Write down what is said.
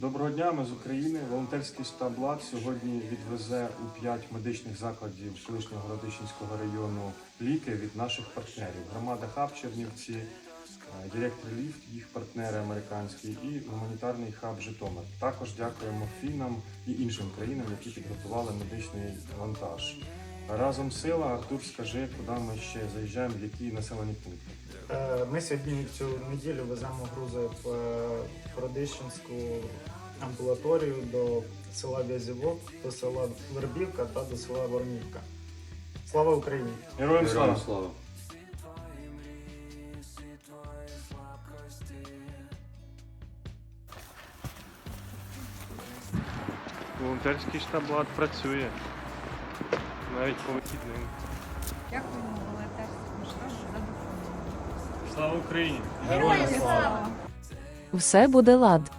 Доброго дня, ми з України. Волонтерський штаб «Лад» сьогодні відвезе у 5 медичних закладів колишнього Городищенського району ліки від наших партнерів. Громада хаб Чернівці, Direct Relief, їх партнери американські і гуманітарний хаб Житомир. Також дякуємо фіннам і іншим країнам, які підготували медичний вантаж. Разом сила. Артур, скажи, куди ми ще заїжджаємо, в які населені пункти? Ми сьогодні цю неділю веземо грузи в Городищенську амбулаторію до села В'язівок, до села Вербівка та до села Вормівка. Слава Україні! Героям слава! слава! Волонтерський штаб «Лад» працює. Навіть по вихідним. Дякуємо волонтерському штабу за допомогу. Слава Україні! Героям слава! Все буде лад.